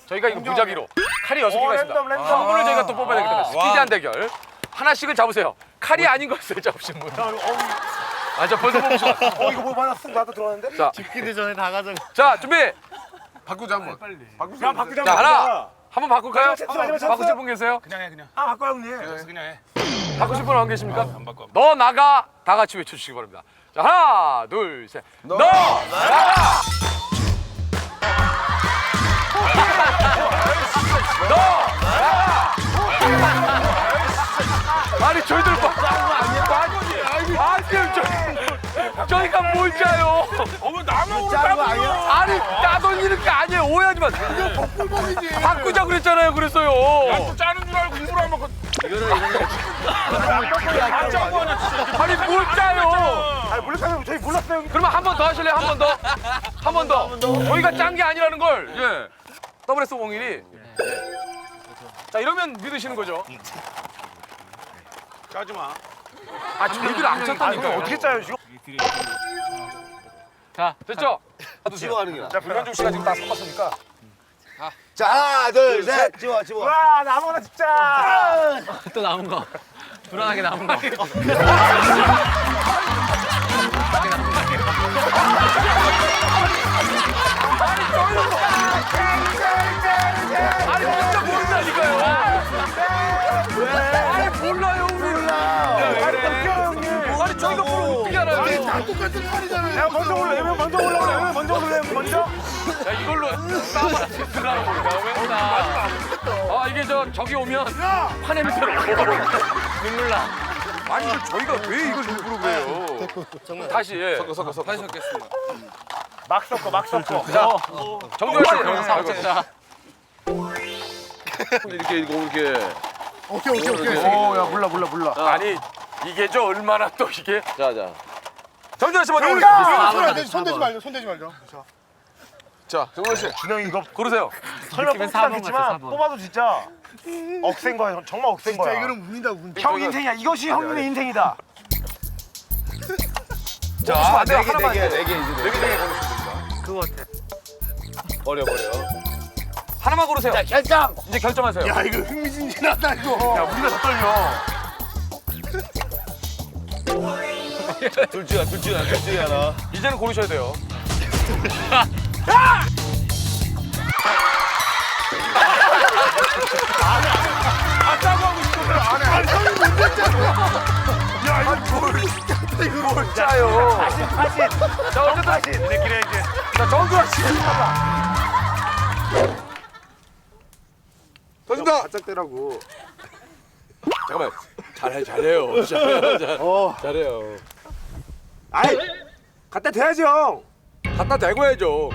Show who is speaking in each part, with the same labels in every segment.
Speaker 1: 저희가 이거 무작위로 칼이 6개가 있습니다.
Speaker 2: 랜덤.
Speaker 1: 한 분을 저희가 또 뽑아야 되기 때문에 스피디한 대결. 하나씩은 잡으세요. 칼이 아닌 것을 잡으신 분. 아, 저 벌써 뽑으시고.
Speaker 2: 이거 뭐 하나 쓱 나도 들어왔는데?
Speaker 1: 자,
Speaker 3: 죽기도 전에 다 가져가.
Speaker 1: 자, 준비.
Speaker 4: 바꾸자 한번.
Speaker 2: 그냥 바꾸자.
Speaker 1: 자, 하나. 한번 바꿀까요?
Speaker 2: 마지막 찬스.
Speaker 1: 바꾸실 분 계세요?
Speaker 3: 그냥 해 그냥.
Speaker 2: 아, 바꿔 형님.
Speaker 3: 그냥 해.
Speaker 1: 바꾸실 분 안 계십니까?
Speaker 3: 안 바꿔.
Speaker 1: 너 나가 다 같이 외쳐주시기 바랍니다. 자, 하나, 둘, 셋. 너 나가. 너 나가. 아니 저희들 저희가 뭘 짜요?
Speaker 3: 어머 나만
Speaker 2: 짜는 거 아니야?
Speaker 1: 아니 따돌 이런 게 아니에요. 오해하지 마. 이거 복불복이지. 바꾸자 그랬잖아요. 그랬어요.
Speaker 3: 짜는 줄 알고 일부러 한 번.
Speaker 1: 아니 뭘 짜요?
Speaker 2: 아, 몰랐어요. 저희 몰랐어요.
Speaker 1: 그러면 한 번 더 하실래요? 한 번 더? 한 번 더. 저희가 짠 게 아니라는 걸. 예. WS01이. 자 이러면 믿으시는 거죠?
Speaker 3: 짜지 마.
Speaker 1: 아 저희들 안 쳤다니까.
Speaker 2: 어떻게 짜요, 지금?
Speaker 1: 자 됐죠?
Speaker 4: 집어가는 게.
Speaker 1: 자 변현중 씨가 지금 다 섞었으니까.
Speaker 4: 자 하나 둘 셋. 집어.
Speaker 2: 와, 나 아무거나 진짜.
Speaker 5: 또 남은 거. 불안하게 남은 거.
Speaker 1: 아니 진짜 모른다니까요. 아니 몰라요 우리. 아니 저희가 뭘 어떻게 알아요?
Speaker 4: 다 똑같은 말이잖아요.
Speaker 2: 야, 먼저 올래. 먼저 올라오래. 먼저 올래. 먼저.
Speaker 1: 야 이걸로 싸움을 치더라고 우리가. 아 이게 저기 오면 판 냄새로 눈물 나. 아니 이거 저희가 왜 이걸 일부러 그래요? 다시 예.
Speaker 4: 섞어.
Speaker 5: 다시 섞겠습니다.
Speaker 2: 막 섞어.
Speaker 1: 자 정도현 씨.
Speaker 5: 자,
Speaker 4: 이렇게 이렇게. 오케이.
Speaker 2: 오, 야, 몰라.
Speaker 1: 아니 이게 저 얼마나 또 이게.
Speaker 4: 자.
Speaker 1: 정도현 씨 먼저 올리세요.
Speaker 4: 손 대지 말죠. 자, 정원 씨.
Speaker 2: 준영이 이거
Speaker 1: 고르세요.
Speaker 2: 설마
Speaker 5: 느낌은
Speaker 2: 뽑지
Speaker 5: 4번
Speaker 2: 않겠지만
Speaker 5: 같아, 4번.
Speaker 2: 뽑아도 진짜 억센 거야. 정말 억센 거야.
Speaker 4: 운이다.
Speaker 2: 형 인생이야. 이것이 형님의 인생이다.
Speaker 1: 자,
Speaker 4: 네 개.
Speaker 5: 그거 같아.
Speaker 4: 버려.
Speaker 1: 하나만 고르세요.
Speaker 4: 자, 결정.
Speaker 1: 이제 결정하세요.
Speaker 4: 야, 이거 흥미진진하다 이거.
Speaker 2: 야, 우리가 더 떨려.
Speaker 4: 둘 중에 하나.
Speaker 1: 이제는 고르셔야 돼요. 뭘 짜요?
Speaker 2: 사실.
Speaker 1: 자 어쨌든
Speaker 2: 사실. 우리끼리 이제.
Speaker 1: 자 정두환 씨.
Speaker 4: 터진다.
Speaker 2: 바짝 대라고.
Speaker 4: 잠깐만. 잘해요. 잘해요.
Speaker 2: 아이, 갖다 대야지 형.
Speaker 4: 갖다 대고 해야죠.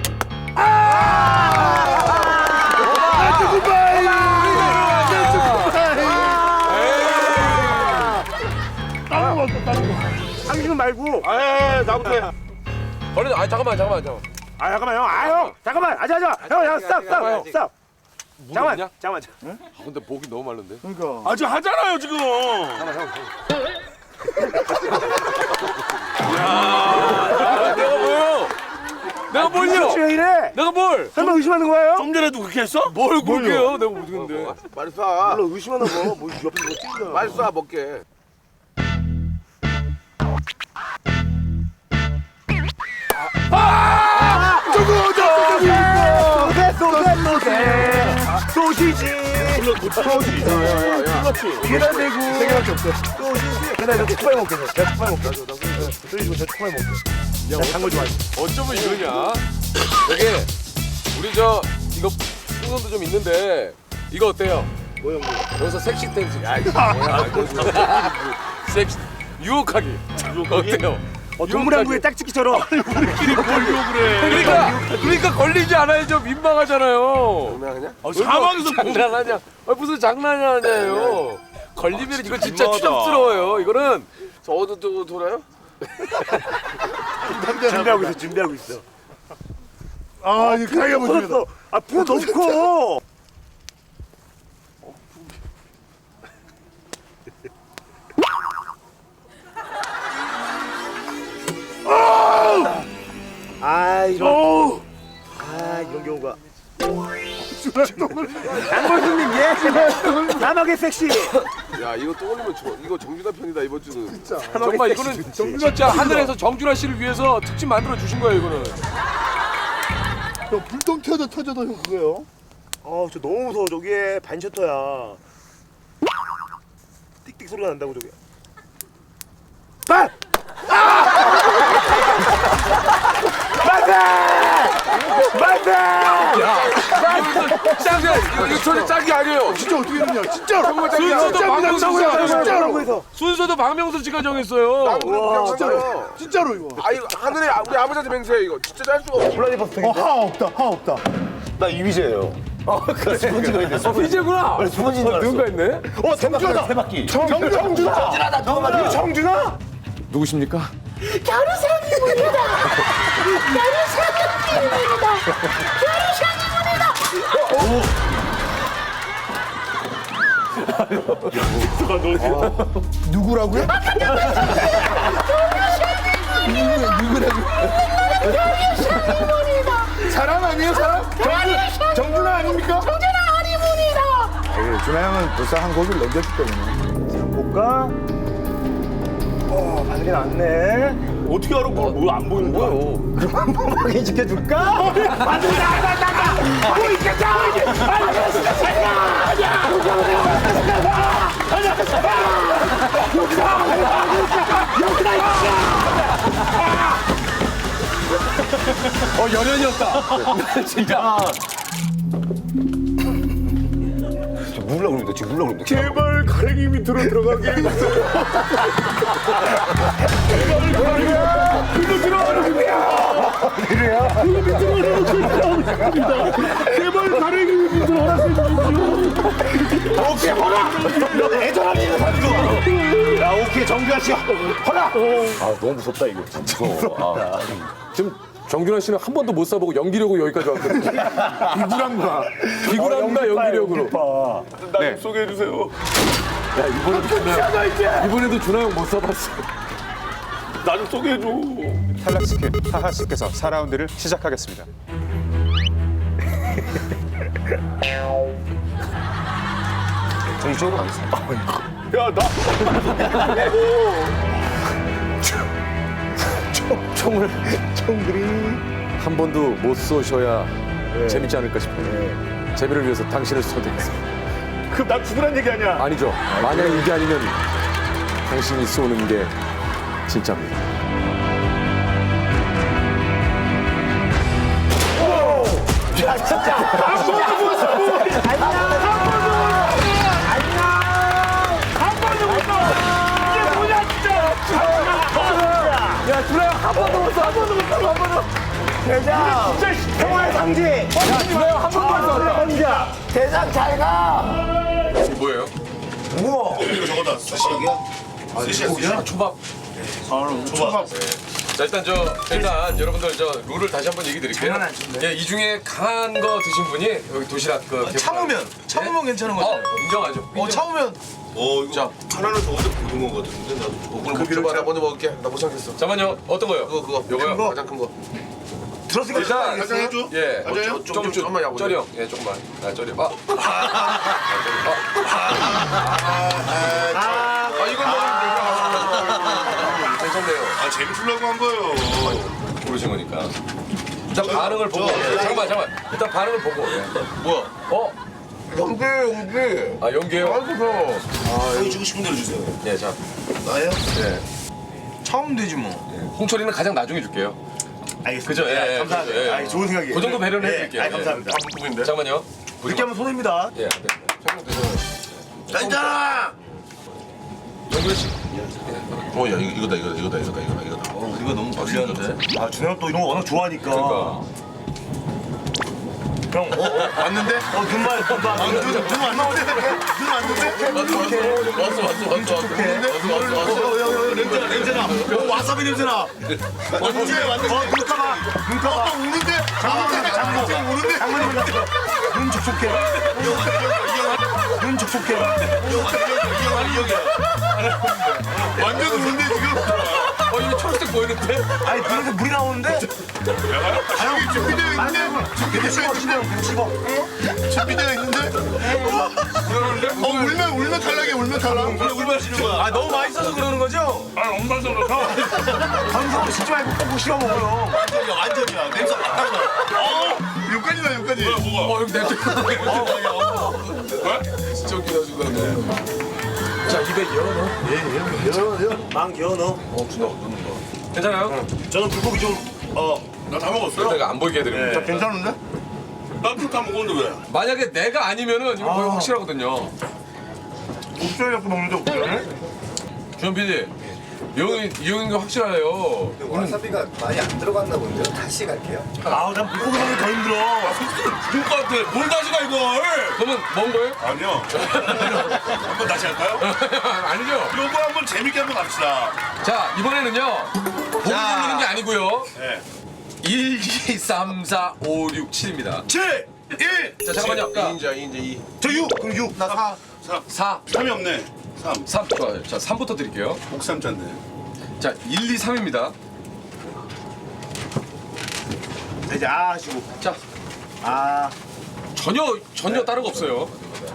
Speaker 2: 당신은 말고.
Speaker 4: 아, 나부터 해. 버려. 아, 잠깐만.
Speaker 2: 아, 잠깐만 형. 아, 형. 잠깐만. 아자. 형, 스탑. 잠깐만.
Speaker 4: 아, 근데 목이 너무 마른데.
Speaker 3: 아직 하잖아요 지금.
Speaker 4: 내가 뭐요? 내가 뭘요?
Speaker 2: 왜 이래?
Speaker 4: 내가 뭘?
Speaker 2: 설마 의심하는 거예요?
Speaker 3: 좀 전에도 그렇게 했어?
Speaker 4: 뭘 그렇게요? 내가 모르겠는데. 빨리 쏴.
Speaker 2: 물론 의심하나 봐. 뭐 옆에서 뭐 찍냐.
Speaker 4: 빨리 쏴 먹게.
Speaker 2: 소시지. 계란 대고. 세 개밖에 없어. 소시지. 계란 대고 초파이 먹게. 내가 초파이 먹게. 소시지 저 초파이 먹게. 내가 단거 좋아해.
Speaker 4: 어쩌면 이러냐? 되게 우리 이거 풍선도 좀 있는데 이거 어때요?
Speaker 2: 뭐야 뭐.
Speaker 4: 여기서 섹시 댄스. 야 이거 뭐야? 섹시 유혹하기. 어때요?
Speaker 2: 동물왕국의 짝짓기처럼.
Speaker 3: 우리끼리 뭘 욕을 해.
Speaker 4: 그러니까 걸리지 않아야죠. 민망하잖아요.
Speaker 2: 장난하냐?
Speaker 3: 사막에서
Speaker 4: 장난하냐? 무슨 장난하냐요? 걸리면 이거 진짜
Speaker 3: 민망하다.
Speaker 4: 추접스러워요. 이거는 저 어디로 돌아요?
Speaker 2: 준비하고 있어.
Speaker 4: 아 이거 가위가
Speaker 2: 풀었어. 아, 풀 너무 커. 아, 이런 경우가. 장골수님 예. 남하게 섹시.
Speaker 4: 야 이거 또 올리면 이거 정준하 편이다 이번 주는. 정말 이거는 진짜 하늘에서 정준하 씨를 위해서 특집 만들어 주신 거예요 이거는.
Speaker 2: 형 불똥 터져도 형 그거요. 저 너무 무서워. 저게 반셔터야. 띡띡 소리가 난다고 저게. 빠!
Speaker 4: 짱이야 이거 전혀 짝이 아니에요.
Speaker 2: 진짜 어떻게 했냐? 진짜로.
Speaker 4: 정말 짝이야.
Speaker 2: 순서도 박명수 진짜로 해서.
Speaker 4: 순서도 박명수 씨가 정했어요.
Speaker 2: 와 진짜로. 진짜로 이거.
Speaker 4: 아 이거 하늘에 우리 아버지한테 맹세해 이거 진짜 짤 수가 없어.
Speaker 2: 블라디버스터. 하 없다. 나 이휘재예요. 그래. 수건지가 있네.
Speaker 4: 이제구나.
Speaker 2: 수건지인 줄 알았어.
Speaker 4: 누군가 있네.
Speaker 2: 정준하다. 세 바퀴. 정준하다. 이거 정준하?
Speaker 4: 누구십니까?
Speaker 2: 누구라고요? 사람 아니에요 사람? 정준하 아닙니까? 정준하 아니분이다. 준하 형은 벌써 한 곡을 넘겼기 때문에. 자, 볼까? 바늘이 났네. 어떻게 알아? 뭐안 보이는 거야? 그럼 한 번만 지켜줄까? 바늘이 나가! 보이겠다!
Speaker 4: 열연이었다. 진짜.
Speaker 2: 물라 그럽니다. 지금 물라 그럽니다.
Speaker 3: 제발 가랭이 밑으로 들어가게 해주세요. 제발 가랭이 밑으로 허락해 주십시오.
Speaker 2: 오케이 허락! 애절함이 있는 사람 좋아. 야 오케이 정준하 씨 허락!
Speaker 4: 너무 무섭다 이거 진짜. 지금 정준하 씨는 한 번도 못 써보고 연기력으로 여기까지 왔거든요.
Speaker 2: 비굴한가?
Speaker 4: 비굴한가 연기력으로.
Speaker 3: 나좀 소개해 주세요.
Speaker 4: 야 이번에도 준하 형 못 써봤어.
Speaker 3: 나 좀 소개해 줘.
Speaker 6: 탈락시킨 하하 씨께서 4라운드를 시작하겠습니다.
Speaker 2: 저 이쪽으로 가겠습니다.
Speaker 3: 야 나.
Speaker 2: 총들이
Speaker 4: 한 번도 못 쏘셔야 재밌지 않을까 싶어요. 재미를 위해서 당신을 쏘겠습니다.
Speaker 2: 그럼 나 죽으란 얘기 아니야?
Speaker 4: 아니죠. 만약 이게 아니면 당신이 쏘는 게 진짜입니다.
Speaker 2: 야 진짜 한 번도 못 써!
Speaker 4: 야 준하 형한 번도 못 써.
Speaker 2: 대장! 진짜 평화의 상징!
Speaker 4: 야 준하 형한 번도 못 써.
Speaker 2: 혼자! 대장 잘 가!
Speaker 4: 뭐예요?
Speaker 2: 우와!
Speaker 7: 저거다 스시야?
Speaker 4: 초밥.
Speaker 7: 초밥.
Speaker 4: 자 일단 여러분들 룰을 다시 한번 얘기 드릴게요. 예, 이 중에 강한 거 드신 분이 여기 도시락
Speaker 7: 참으면 괜찮은 거죠?
Speaker 4: 인정하죠.
Speaker 7: 참으면 이거 하나는 저거도 고등어 같은데 나도 저거 그 비를 나 먼저 먹을게. 나 못 참겠어.
Speaker 4: 잠깐만요. 어떤 거요?
Speaker 7: 그거
Speaker 4: 요거요?
Speaker 7: 가장 큰 거.
Speaker 2: 들었으니까
Speaker 4: 일단
Speaker 7: 가장 해줘.
Speaker 4: 예.
Speaker 7: 맞아요? 조금만 야구.
Speaker 4: 쩌리 형. 예, 조금만. 쩌리. 이거 괜찮네요.
Speaker 7: 재밌으려고 한 거예요.
Speaker 4: 모르신 거니까. 일단 반응을 보고. 잠깐만. 일단 반응을 보고. 예.
Speaker 7: 뭐야? 연기.
Speaker 4: 아 연기요?
Speaker 7: 형이 주고 싶은 대로 주세요.
Speaker 4: 예, 자.
Speaker 7: 나요?
Speaker 4: 예.
Speaker 7: 참으면 되지 뭐.
Speaker 4: 홍철이는 가장 나중에 줄게요.
Speaker 2: 알겠습니다.
Speaker 4: 그죠? 예,
Speaker 2: 감사합니다.
Speaker 4: 그죠, 예.
Speaker 2: 아이, 좋은 생각이에요.
Speaker 4: 그 정도 배려는 해드릴게요.
Speaker 2: 감사합니다.
Speaker 4: 예. 잠깐만요.
Speaker 2: 이렇게 하면 손해입니다.
Speaker 4: 예, 안 됩니다. 설명 드려요.
Speaker 7: 괜찮아.
Speaker 4: 영구야 씨.
Speaker 7: 야 이거다. 이거 너무 불리한데.
Speaker 2: 아 준영 또 이런 거 워낙 좋아하니까.
Speaker 4: 그러니까.
Speaker 2: 형, 왔는데? 눈만 눈안 나오는데? 눈 안 나오는데?
Speaker 7: 왔어.
Speaker 2: 냄새나. 와사비 냄새나. 언제 왔는데? 눈가봐. 우는데? 장모님 우는데? 눈 촉촉해. 눈 촉촉해.
Speaker 7: 완전 우는데 지금.
Speaker 4: 이거 초록색 보이는데?
Speaker 2: 아니 눈에서 물이 나오는데?
Speaker 7: 준비되어 있는데? 준비되어 있는데? 울면 탈락이야, 울면 탈락.
Speaker 2: 아 너무 맛있어서 그러는 거죠?
Speaker 3: 아 엄마서로 가.
Speaker 2: 방송을 씻지 말고 꼭 씹어 먹어요.
Speaker 7: 완전이야. 냄새 맡아봐. 여기까지다, 여기까지.
Speaker 3: 뭐가?
Speaker 4: 여기 냄새. 진짜 웃기다 지금. 자 입에 열어.
Speaker 2: 망 기어 넣어.
Speaker 4: 괜찮아요?
Speaker 2: 저는 불고기 좀
Speaker 3: 나 다 먹었어요.
Speaker 4: 내가 안 보이게 해드립니다.
Speaker 7: 괜찮은데?
Speaker 3: 나다 먹었는데 왜?
Speaker 4: 만약에 내가 아니면은 이거 거의 확실하거든요.
Speaker 7: 옥수수 갖고 먹는데 옥수수네?
Speaker 4: 주현 PD, 이 형인 거 확실해요.
Speaker 8: 와사비가 많이 안 들어갔나 본데요. 다시 갈게요.
Speaker 2: 아우 난 불고기 먹는 게 더 힘들어.
Speaker 3: 죽을 것 같아. 뭘 다시 가 이걸?
Speaker 4: 그러면 먹은 거예요?
Speaker 3: 아니요. 한번 다시 할까요?
Speaker 4: 아니죠.
Speaker 3: 요거 한번 재밌게 한번 합시다.
Speaker 4: 자 이번에는요. 보기 돌리는 게 아니고요.
Speaker 3: 네.
Speaker 4: 1, 2, 3, 4, 5, 6, 7입니다.
Speaker 3: 7, 1.
Speaker 4: 자 잠깐만요. 자,
Speaker 7: 2인자 2.
Speaker 2: 저 6. 그럼 6. 나 4.
Speaker 4: 4,
Speaker 3: 3이 없네. 3.
Speaker 4: 3 좋아요. 자 3부터 드릴게요.
Speaker 3: 목삼자인데.
Speaker 4: 자 1, 2, 3입니다.
Speaker 2: 자 이제 아 하시고.
Speaker 4: 자
Speaker 2: 아.
Speaker 4: 전혀 다른 거 없어요.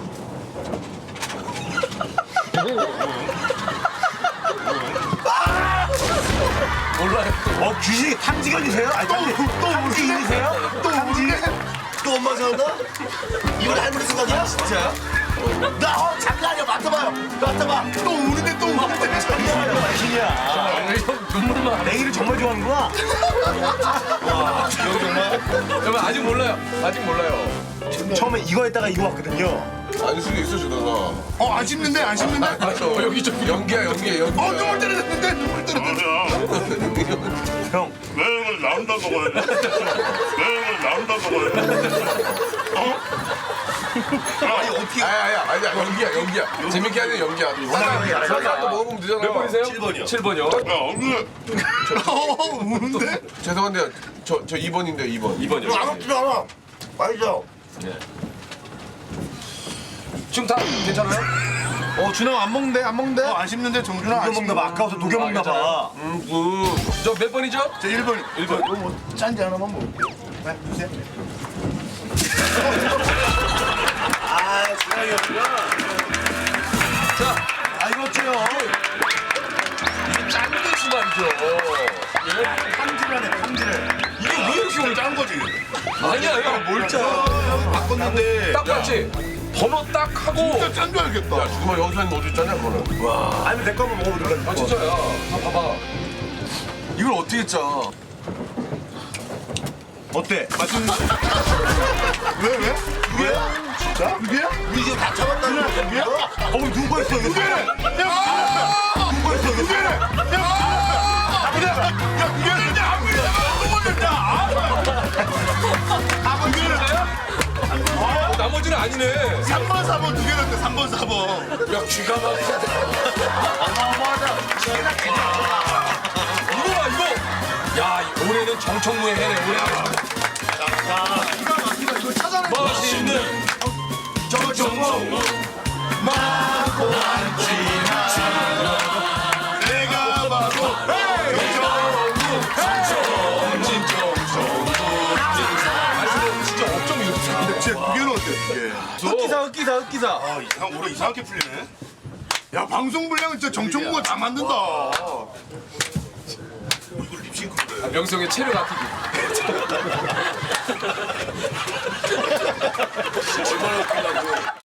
Speaker 4: 몰라요.
Speaker 2: 귀신이 탐지견이세요? 아니 탐지인이세요? 또 우리네?
Speaker 7: 또 엄마 생각나? 이건 할머니 생각이야? 진짜? 나 장난 아니야. 맡아봐요. 맡아봐. 또 우는데 또 우는데.
Speaker 2: 귀신이야.
Speaker 4: 눈물만.
Speaker 2: 내일을 정말 좋아하는구나.
Speaker 4: 여러분 아직 몰라요. 아직 몰라요.
Speaker 2: 처음에 이거 했다가 이거 왔거든요.
Speaker 7: 아닐 수도 있어, 주다가. 안 씹는데? 안 씹는데?
Speaker 4: 여기 좀 연기야.
Speaker 7: 눈물 떨어졌는데? 눈물 떨어졌는데?
Speaker 2: 형.
Speaker 3: 왜 이걸 나온다 먹어야 돼? 왜 이걸 나온다 먹어야 돼?
Speaker 7: 아니, 어떻게.
Speaker 4: 아니야 연기야. 재밌게 하는 연기야. 사자 또 먹어보면 되잖아요. 몇 번이세요?
Speaker 7: 7번이요.
Speaker 4: 7번이요.
Speaker 3: 야 얼른.
Speaker 7: 우는데?
Speaker 9: 죄송한데요. 저 2번인데 2번.
Speaker 4: 2번이요.
Speaker 7: 안 먹지 않아. 맛있어.
Speaker 4: 지금 다 괜찮아요?
Speaker 7: 준영 안 먹는데? 안 먹는데? 안 씹는데? 정준아 안
Speaker 2: 녹여 먹나 봐. 아까워서 녹여 먹나 봐.
Speaker 4: 저 몇 번이죠?
Speaker 7: 저 1번. 1번. 이거 뭐 짠지 하나만 먹을게요. 네, 주세요.
Speaker 2: 아, 주량이었구나.
Speaker 4: 자,
Speaker 2: 아, 이거 어째요?
Speaker 4: 이게 짠 것이 말이죠.
Speaker 2: 탐지라네, 탐지를.
Speaker 3: 이게 왜 이렇게 오늘 짠 거지?
Speaker 4: 아니야, 형. 뭘 짜?
Speaker 7: 바꿨는데.
Speaker 4: 딱 봤지? 번호 딱 하고.
Speaker 7: 진짜 짠 줄 알겠다.
Speaker 9: 지금 여기서 있는 어디 있잖아 그거는.
Speaker 2: 아니면 내 거 한번 먹어보든가.
Speaker 4: 아, 진짜야. 다 봐봐.
Speaker 9: 이걸 어떻게 짜?
Speaker 2: 어때?
Speaker 7: 왜? 누구야? 진짜? 누구야? 우리 지금 다 잡았다는 거 누구야?
Speaker 2: 누가 있어, 이거?
Speaker 7: 누구야?
Speaker 2: 누가 있어, 이거?
Speaker 4: 나머지는 아니네.
Speaker 7: 3번, 4번 두 개였대. 3번, 4번.
Speaker 4: 야, 쥐가 막히다. 이거 봐, 이거. 야, 올해는 정청무의 해네, 올해.
Speaker 7: 이거 찾아내.
Speaker 4: 멋있는 정청무. 마고
Speaker 7: 내가 봐도
Speaker 4: 진짜 어쩜 이렇게 잘하는데?
Speaker 7: 쟤 두 개는 어때? 두 개.
Speaker 2: 흑기사.
Speaker 3: 이상 올해 이상하게 풀리네.
Speaker 7: 야, 방송 분량은 진짜 정청구가 다 만든다.
Speaker 3: 이걸 립싱크로 해.
Speaker 4: 명성의 체력 아끼기.
Speaker 7: 얼마나 웃기려고.